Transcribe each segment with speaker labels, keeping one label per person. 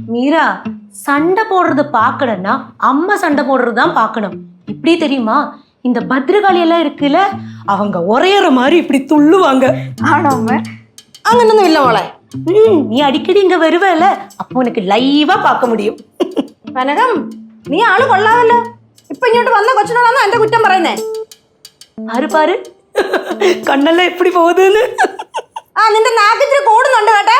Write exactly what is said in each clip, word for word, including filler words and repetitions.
Speaker 1: மீரா சண்டை போடுறது பார்க்கணும்னா அம்மா சண்டை போடுறதுதான் பார்க்கணும். இப்படி தெரியுமா? இந்த பத்ரகாளி எல்லாம் இருக்குல்ல, அவங்க உரையற மாதிரி இப்படி துள்ளுவாங்க.
Speaker 2: ஆனாம
Speaker 1: അങ്ങനൊന്നും ഇല്ല മോളെ. ம் நீ அடிக்கடி இங்க வருவல, அப்போ உனக்கு லைவா பார்க்க முடியும்.
Speaker 2: കനകം, നീ ആള് കൊള്ളാമല്ലോ. ഇപ്പൊ ഇങ്ങോട്ട് വന്ന കൊച്ചിനോടാണോ എന്റെ കുറ്റം പറയുന്നേ?
Speaker 1: പാரு പാரு കണ്ണെല്ലാം എപ്പടി പോകുന്നു.
Speaker 2: ആ നിന്റെ നാക്കിച്ചിരി കൂടുന്നുണ്ട് കേട്ടെ.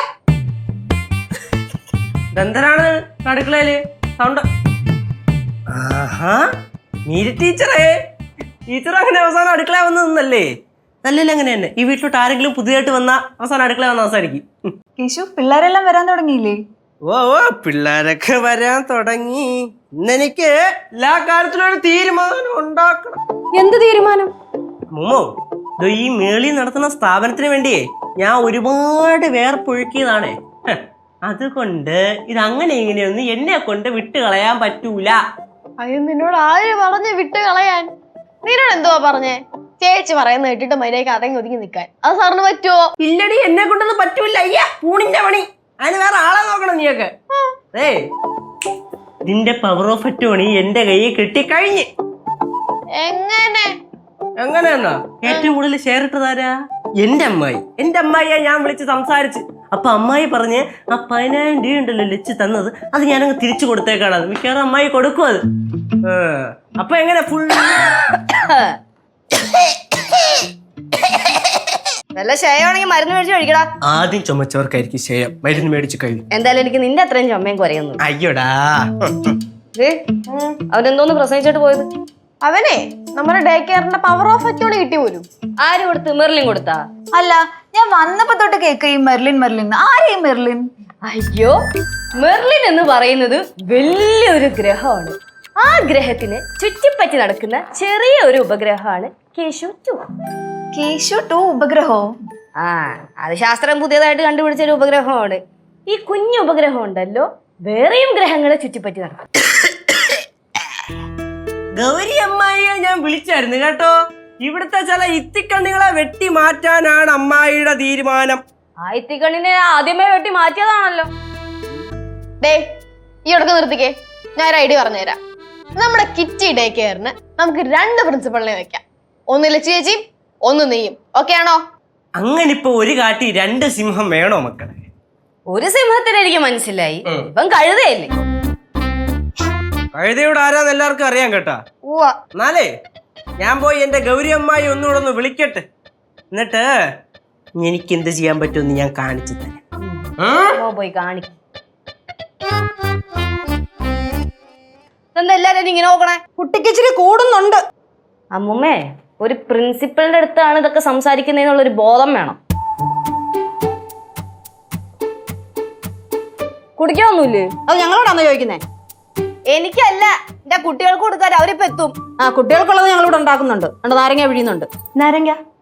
Speaker 3: എന്തിനാണ് അടുക്കളയില് സൗണ്ട്? ആഹാ, മീര ടീച്ചറേ, ടീച്ചർ അങ്ങനെ അവസാനം അടുക്കള വന്ന് നിന്നല്ലേ? നല്ലല്ലേ അങ്ങനെ തന്നെ. ഈ വീട്ടിലോട്ട് ആരെങ്കിലും പുതിയതായിട്ട് വന്ന അവസാനം അടുക്കള വന്ന അവസാനിക്കും.
Speaker 2: കേശു, പിള്ളേരെല്ലാം വരാൻ തുടങ്ങിയില്ലേ?
Speaker 3: ഓ ഓ പിള്ളേരൊക്കെ വരാൻ തുടങ്ങി. ഇന്നെനിക്ക് എല്ലാ കാര്യത്തിലും ഒരു തീരുമാനം ഉണ്ടാക്കണം.
Speaker 2: എന്ത് തീരുമാനം?
Speaker 3: മുമ്മോ, ഈ മേളി നടത്തുന്ന സ്ഥാപനത്തിന് വേണ്ടിയേ ഞാൻ ഒരുപാട് വേർപ്പൊഴുക്കിയതാണേ. അതുകൊണ്ട് ഇത് അങ്ങനെ ഇങ്ങനെയൊന്നും എന്നെ കൊണ്ട് വിട്ട് കളയാൻ പറ്റൂല.
Speaker 4: അയ്യോ, നിന്നോട് ആര് പറഞ്ഞ് വിട്ട് കളയാൻ? നിന്നോട് എന്തുവാ പറഞ്ഞേ? ചേച്ചി പറയുന്ന കേട്ടിട്ട് മര്യാദയ്ക്ക് അടങ്ങി ഒതുങ്ങി നിൽക്കാൻ അത് സാറിന് പറ്റുമോ?
Speaker 3: ഇല്ലടി, എന്നെ കൊണ്ടൊന്നും പറ്റൂല. അയ്യ, പൂണിന്റെ പണി. അതിന് വേറെ ആളെ നോക്കണം നീയൊക്കെ. ഏ നിന്റെ പവർ ഓഫ് അറ്റോണി എന്റെ കയ്യിൽ കിട്ടിക്കഴിഞ്ഞ്.
Speaker 4: എങ്ങനെ
Speaker 3: എങ്ങനെയെന്നാ? ഏറ്റവും കൂടുതൽ ഷെയർ ഇട്ടതാരാ? എന്റെ അമ്മായി. എന്റെ അമ്മായിയെ ഞാൻ വിളിച്ച് സംസാരിച്ച്. അപ്പൊ അമ്മായി പറഞ്ഞ് ആ പതിനായിരം രൂപ ഉണ്ടല്ലോ ലച്ച് തന്നത്, അത് ഞാനങ്ങ് തിരിച്ചു കൊടുത്തേക്കാണത്. മിക്കവാറും അമ്മായി കൊടുക്കും അത്. അപ്പൊ എങ്ങനെ ഫുൾ
Speaker 4: നല്ല ക്ഷയമാണെങ്കിൽ മരുന്ന് മേടിച്ച് കഴിക്കടാ.
Speaker 3: ആദ്യം ചുമച്ചവർക്കായിരിക്കും ക്ഷയം. മരുന്ന് മേടിച്ച് കഴിയും.
Speaker 4: എന്തായാലും എനിക്ക് നിന്റെ അത്രയും ചുമയും കുറയുന്നു.
Speaker 3: അയ്യോടാ,
Speaker 4: അവനെന്തോന്ന് പ്രസവിച്ചിട്ട് പോയത്? അവനെ നമ്മുടെ ഡേ കെയറിന്റെ പവർ ഓഫ് അറ്റോളി കിട്ടി പോലും. ആര് കൊടുത്ത്? മെർലിൻ കൊടുത്താ?
Speaker 2: അല്ല, ഞാൻ വന്നപ്പോ തൊട്ട് കേക്ക ഈ മെർലിൻ മെർലിൻ. ആരെയും മെർലിൻ?
Speaker 4: അയ്യോ, മെർലിൻ എന്ന് പറയുന്നത് വലിയൊരു ഗ്രഹമാണ്. ആ ഗ്രഹത്തിന് ചുറ്റിപ്പറ്റി നടക്കുന്ന ചെറിയ ഒരു ഉപഗ്രഹമാണ് കേശു ടു.
Speaker 2: കേശു ടു ഉപഗ്രഹോ?
Speaker 4: ആ, അത് ശാസ്ത്രം പുതിയതായിട്ട് കണ്ടുപിടിച്ച ഒരു ഉപഗ്രഹമാണ്. ഈ കുഞ്ഞു ഉപഗ്രഹം ഉണ്ടല്ലോ, വേറെയും ഗ്രഹങ്ങളെ ചുറ്റിപ്പറ്റി നടക്കും.
Speaker 3: ഗൗരി അമ്മായിയെ ഞാൻ വിളിച്ചായിരുന്നു കേട്ടോ. ഇവിടുത്തെ ചില ഇത്തിക്കണ്ണികളെ വെട്ടി മാറ്റാനാണ് അമ്മായിയുടെ തീരുമാനം.
Speaker 4: ആ ഇത്തിക്കണ്ണിനെ ആദ്യമേ വെട്ടി മാറ്റിയതാണല്ലോ. ഡേ, ഈ ഇടക്ക് നിർത്തിക്കേ, ഞാൻ ഒരു ഐഡിയ പറഞ്ഞുതരാം. നമ്മുടെ കിറ്റി ഡേ കെയറിന് നമുക്ക് രണ്ട് പ്രിൻസിപ്പളിനെ വെക്കാം. ഒന്ന് ലച്ചു ചേച്ചിയും ഒന്ന് നീയും. ഓക്കെ ആണോ?
Speaker 3: അങ്ങനെ ഇപ്പൊ ഒരു കാട്ടി രണ്ട് സിംഹം വേണോ മക്കളെ?
Speaker 4: ഒരു സിംഹത്തിന് എനിക്ക് മനസ്സിലായി, ഇപ്പം കഴുതയല്ലേ.
Speaker 3: കഴുതയോട് ആരാന്ന് എല്ലാവർക്കും അറിയാൻ കേട്ടാ. എന്നാലേ ഞാൻ പോയി എന്റെ ഗൗരി അമ്മായി ഒന്നുകൂടെ ഒന്ന് വിളിക്കട്ടെ. എന്നിട്ട് എനിക്ക് എന്ത് ചെയ്യാൻ പറ്റുമെന്ന് ഞാൻ കാണിച്ചു തരാം.
Speaker 4: പോയി കാണിക്കും. എന്താ എല്ലാരും ഇങ്ങനെ നോക്കണേ?
Speaker 2: കുട്ടിക്ക് ഇച്ചിരി കൂടുന്നുണ്ട്.
Speaker 4: അമ്മുമ്മേ, ഒരു പ്രിൻസിപ്പളിന്റെ അടുത്താണ് ഇതൊക്കെ സംസാരിക്കുന്നതിനുള്ളൊരു ബോധം വേണം. കുടിക്കാനൊന്നുമില്ലേ?
Speaker 2: അത് ഞങ്ങളോടാണോ ചോദിക്കുന്നേ?
Speaker 4: എനിക്കല്ല, എന്റെ കുട്ടികൾക്ക് കൊടുക്കാൻ അവരിപ്പോ എത്തും.
Speaker 2: ആ, കുട്ടികൾക്കുള്ളത് ഞങ്ങളിവിടെ ഉണ്ടാക്കുന്നുണ്ട്. നാരങ്ങ പിഴിയുന്നുണ്ട്.
Speaker 1: നാരങ്ങ